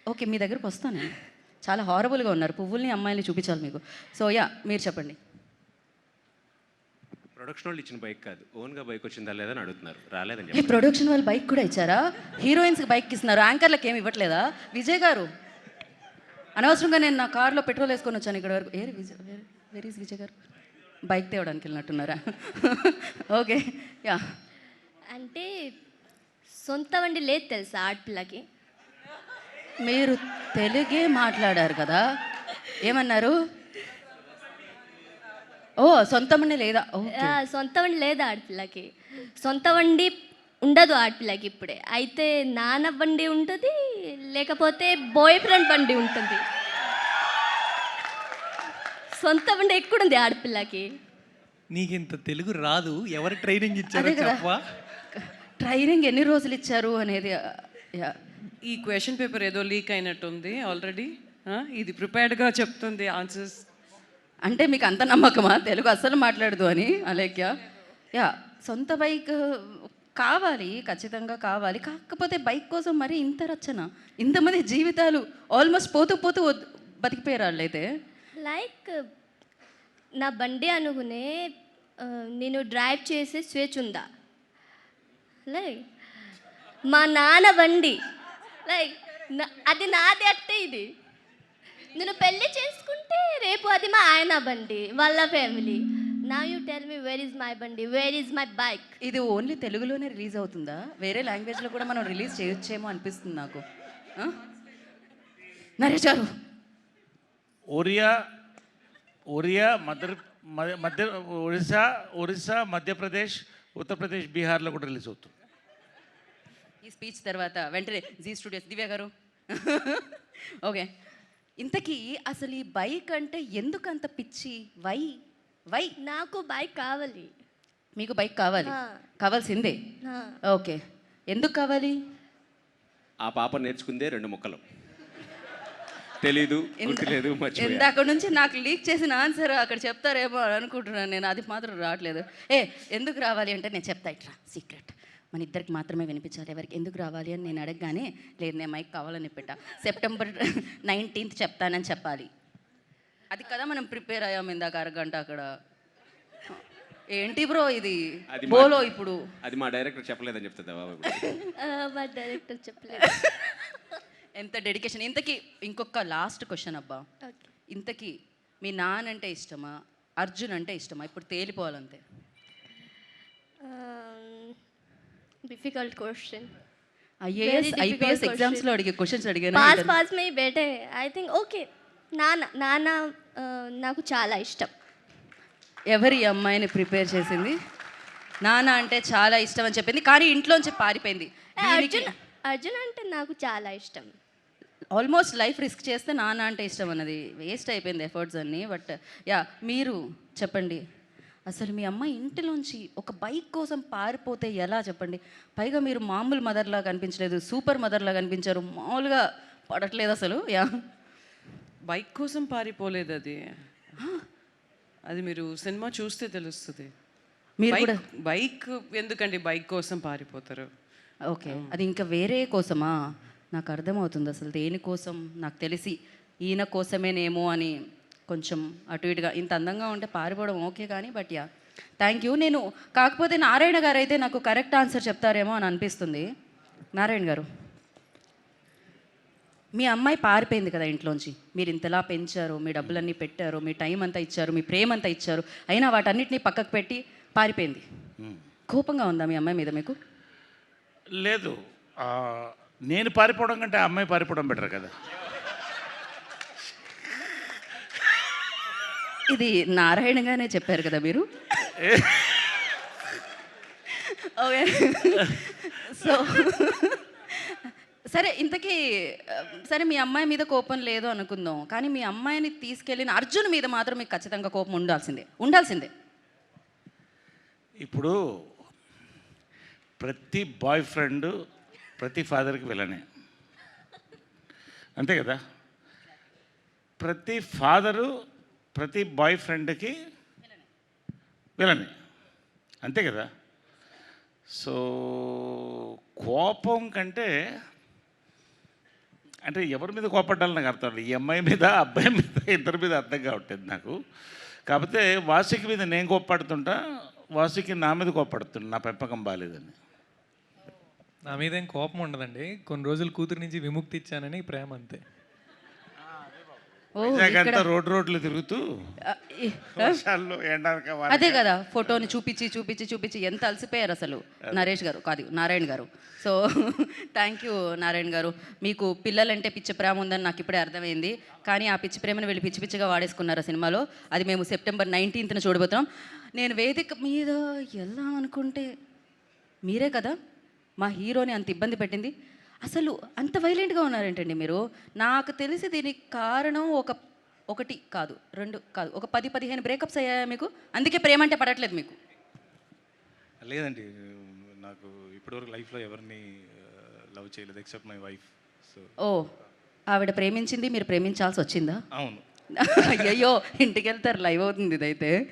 Okay, మీ దగ్గరకు వస్తాను నేను. చాలా హారబుల్గా ఉన్నారు, పువ్వుల్ని అమ్మాయిని చూపించాలి మీకు. సో యా, మీరు చెప్పండి. ప్రొడక్షన్ వాళ్ళు ఇచ్చిన బైక్ కాదు, ఓన్గా బైక్ వచ్చిందా లేదని అడుగుతున్నారు. రాలేదని ఏ చెప్పి ప్రొడక్షన్ వాళ్ళు బైక్ కూడా ఇచ్చారా? హీరోయిన్స్కి బైక్ ఇస్తున్నారు, యాంకర్లకు ఏమి ఇవ్వట్లేదా? విజయ్ గారు, అనవసరంగా నేను నా కార్లో పెట్రోల్ వేసుకొని వచ్చాను ఇక్కడ వరకు. Hey Vijay, where is Vijay garu? Bike తేవడానికి వెళ్ళినట్టున్నారా? Okay yeah. అంటే సొంత వండి లేదు తెలుసా ఆడపిల్లకి. మీరు తెలుగే మాట్లాడారు కదా, ఏమన్నారు? ఓ సొంత మండి లేదా? ఓకే. సొంత వండి లేదు ఆడపిల్లకి. సొంత వండి ఉండదు ఆడపిల్లకి ఇప్పుడే. అయితే నాన్న బండి ఉంటుంది, లేకపోతే బాయ్ ఫ్రెండ్ బండి ఉంటుంది. సొంత బండి ఎక్కడుంది ఆడపిల్లకి? నీకు ఇంత తెలుగు రాదు, ఎవరు ట్రైనింగ్ ఇచ్చారో అదే కదా. చెప్పవా? ట్రైనింగ్ ఎన్ని రోజులు ఇచ్చారు అనేది. యా. ఈ క్వశ్చన్ పేపర్ ఏదో లీక్ అయినట్టుంది ఆల్రెడీ. ఇది ప్రిపేర్డ్గా చెప్తుంది ఆన్సర్స్. అంటే మీకు అంత నమ్మకమా తెలుగు అస్సలు మాట్లాడదు అని అలేఖ్య? యా, సొంత బైక్ కావాలి, ఖచ్చితంగా కావాలి. కాకపోతే బైక్ కోసం మరి ఇంత రచన, ఇంతమంది జీవితాలు ఆల్మోస్ట్ పోతూ పోతూ బతికిపోయారు వాళ్ళైతే. లైక్ నా బండి అనుకునే నేను డ్రైవ్ చేసే స్వేచ్ఛ ఉందా? లైక్ మా నాన్న బండి, లైక్ అది నాది అట్టే. ఇది నేను పెళ్ళి చేసుకుంటే రేపు అది మా ఆయన బండి, వాళ్ళ ఫ్యామిలీ. నా you tell me where is my bandi, where is my bike? ఇది ఓన్లీ తెలుగులోనే రిలీజ్ అవుతుందా? వేరే లాంగ్వేజ్లో కూడా మనం రిలీజ్ చేయొచ్చేమో అనిపిస్తుంది నాకు. నరేష్ గారు, ఒరియా ఒరిస్సా మధ్యప్రదేశ్, ఉత్తరప్రదేశ్, బీహార్లో కూడా రిలీజ్ అవుతుంది. ఈ స్పీచ్ తర్వాత వెంటనే జీ స్టూడియోస్ దివ్య గారు. ఓకే, ఇంతకీ అసలు ఈ బైక్ అంటే ఎందుకు అంత పిచ్చి? వై నాకు బైక్ కావాలి. మీకు బైక్ కావాలి? కావాల్సిందే. ఓకే, ఎందుకు కావాలి? ఆ పాప నేర్చుకుందే 2 ముక్కలు, తెలీదు, గుర్తులేదు, మర్చిపోయా. ఇందాక నుంచి నాకు లీక్ చేసిన ఆన్సర్ అక్కడ చెప్తారేమో అని అనుకుంటున్నాను నేను, అది మాత్రం రావట్లేదు. ఎందుకు రావాలి అంటే నేను చెప్తా, ఇట్రా సీక్రెట్, మన ఇద్దరికి మాత్రమే వినిపించాలి. ఎవరికి ఎందుకు రావాలి అని నేను అడగగానే, లేదు నేను మైక్ కావాలని పెట్టా, సెప్టెంబర్ 19th చెప్తానని చెప్పాలి. అది కదా మనం ప్రిపేర్ అయ్యాము ఇందాక అరగంట అక్కడ. ఏంటి బ్రో ఇది బోలో ఇప్పుడు? అది మా డైరెక్టర్ చెప్పలేదని చెప్తుందా బాబు? మా డైరెక్టర్ చెప్పలేదు. ఎంత డెడికేషన్. ఇంతకీ ఇంకొక లాస్ట్ క్వశ్చన్ అబ్బా, ఓకే. ఇంతకీ మీ నాన్న అంటే ఇష్టమా, అర్జున్ అంటే ఇష్టమా? ఇప్పుడు తేలిపోవాలంతే. Difficult question. ఐపీఎస్ ఎగ్జామ్స్లో అడిగే క్వశ్చన్స్ అడిగాను. పాస్ మే బేటే. ఐ థింక్ ఓకే, నాన్న నాకు చాలా ఇష్టం. ఎవరి అమ్మాయిని ప్రిపేర్ చేసింది? నాన్న అంటే చాలా ఇష్టం అని చెప్పింది, కానీ ఇంట్లోంచి పారిపోయింది. అర్జున్ అంటే నాకు చాలా ఇష్టం. ఆల్మోస్ట్ లైఫ్ రిస్క్ చేస్తే నాన్న అంటే ఇష్టం అన్నది వేస్ట్ అయిపోయింది ఎఫర్ట్స్ అన్నీ. బట్ యా, మీరు చెప్పండి, అసలు మీ అమ్మాయి ఇంటిలోంచి ఒక బైక్ కోసం పారిపోతే ఎలా చెప్పండి? పైగా మీరు మామూలు మదర్లా కనిపించలేదు, సూపర్ మదర్లా కనిపించారు, మామూలుగా పడట్లేదు అసలు. యా, బైక్ కోసం పారిపోలేదు అది. అది మీరు సినిమా చూస్తే తెలుస్తుంది. మీరు కూడా బైక్ ఎందుకండి బైక్ కోసం పారిపోతారు? ఓకే, అది ఇంకా వేరే కోసమా? నాకు అర్థమవుతుంది అసలు దేనికోసం. నాకు తెలిసి ఈయన కోసమేనేమో అని కొంచెం అటు ఇటుగా. ఇంత అందంగా ఉంటే పారిపోవడం ఓకే కానీ, బట్ యా, థ్యాంక్ యూ. నేను కాకపోతే నారాయణ గారు అయితే నాకు కరెక్ట్ ఆన్సర్ చెప్తారేమో అని అనిపిస్తుంది. నారాయణ గారు, మీ అమ్మాయి పారిపోయింది కదా ఇంట్లోంచి, మీరు ఇంతలా పెంచారు, మీ డబ్బులన్నీ పెట్టారు, మీ టైం అంతా ఇచ్చారు, మీ ప్రేమ అంతా ఇచ్చారు, అయినా వాటన్నిటిని పక్కకు పెట్టి పారిపోయింది. కోపంగా ఉందా మీ అమ్మాయి మీద మీకు? లేదు, నేను పారిపోవడం కంటే ఆ అమ్మాయి పారిపోవడం బెటర్ కదా. ఇది నారాయణగానే చెప్పారు కదా మీరు. ఓకే, సో సరే, ఇంతకీ సరే మీ అమ్మాయి మీద కోపం లేదు అనుకుందాం, కానీ మీ అమ్మాయిని తీసుకెళ్ళిన అర్జున్ మీద మాత్రం మీకు ఖచ్చితంగా కోపం ఉండాల్సిందే. ఇప్పుడు ప్రతి బాయ్ ఫ్రెండ్ ప్రతి ఫాదర్కి విలనే, అంతే కదా. ప్రతి ఫాదరు ప్రతి బాయ్ ఫ్రెండ్కి విలనే, అంతే కదా. సో కోపం కంటే అంటే ఎవరి మీద కోపడ్డాలని నాకు అర్థం లేదు. ఈ అమ్మాయి మీద అబ్బాయి మీద ఇద్దరి మీద అర్థం కావట్లేదు నాకు. కాకపోతే వాసుకి మీద నేను కోప్పడుతుంటా, వాసుకి నా మీద కోప్పడుతుంటా నా పెంపకం బాగాలేదని. నా మీద ఏం కోపం ఉండదండి, కొన్ని రోజులు కూతురు నుంచి విముక్తి ఇచ్చానని ప్రేమ అంతే. ఓ అంతా రోడ్లు తిరుగుతూ ఆ, వర్షాల్లో ఎండాక అదే కదా, ఫోటోని చూపించి ఎంత అలసిపోయారు అసలు నరేష్ గారు, కాదు నారాయణ గారు. సో థ్యాంక్ యూ నారాయణ గారు. మీకు పిల్లలంటే పిచ్చి ప్రేమ ఉందని నాకు ఇప్పుడే అర్థమైంది, కానీ ఆ పిచ్చి ప్రేమను వెళ్ళి పిచ్చిగా వాడేసుకున్నారు ఆ సినిమాలో. అది మేము సెప్టెంబర్ 19న చూడబోతున్నాం. నేను వేదిక మీద వెళ్దాం అనుకుంటే మీరే కదా మా హీరోని అంత ఇబ్బంది పెట్టింది. అసలు అంత వైలెంట్గా ఉన్నారేంటండి మీరు? నాకు తెలిసి దీనికి కారణం ఒకటి కాదు, 2 కాదు, ఒక 10-15 బ్రేకప్స్ అయ్యాయా మీకు? అందుకే ప్రేమ అంటే పడట్లేదు మీకు? లేదండి, నాకు ఇప్పటివరకు లైఫ్లో ఎవరిని లవ్ చేయలేదు except my wife. So oh, ఆవిడ ప్రేమించింది, మీరు ప్రేమించాల్సి వచ్చిందా? అవును. అయ్యయ్యో, ఇంటికి వెళ్తారు, లైవ్ అవుతుంది ఇదైతే.